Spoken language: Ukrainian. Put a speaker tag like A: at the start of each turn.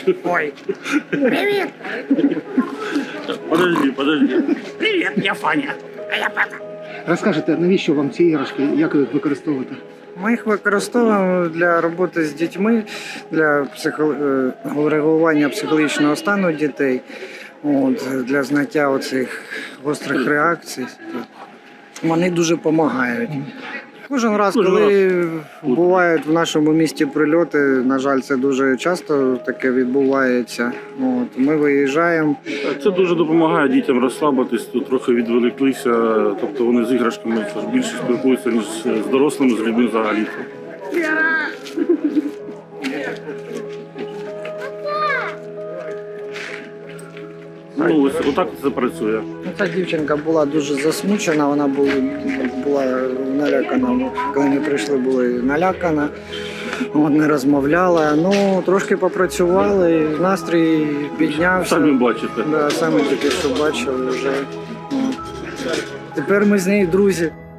A: бачу.
B: Ой, привіт!
A: Подожди.
B: Привіт, я Фаня, а я Пепа.
C: Розкажете, навіщо вам ці іграшки, як ви їх використовуєте?
B: Ми їх використовуємо для роботи з дітьми, для регулювання психологічного стану дітей, для зняття оцих гострих реакцій. Вони дуже допомагають. Кожен раз, коли бувають в нашому місті прильоти, на жаль, це дуже часто таке відбувається. Ми виїжджаємо.
A: Це дуже допомагає дітям розслабитись, тут трохи відволіклися, тобто вони з іграшками більше спілкуються, ніж з дорослими, з людьми взагалі. Ну, ось отак це працює.
B: Ця дівчинка була дуже засмучена, вона була налякана. Коли ми прийшли, була налякана, не розмовляла. Ну, трошки попрацювали, настрій піднявся.
A: Самі бачите.
B: Да, саме тільки що бачили вже. Тепер ми з нею друзі.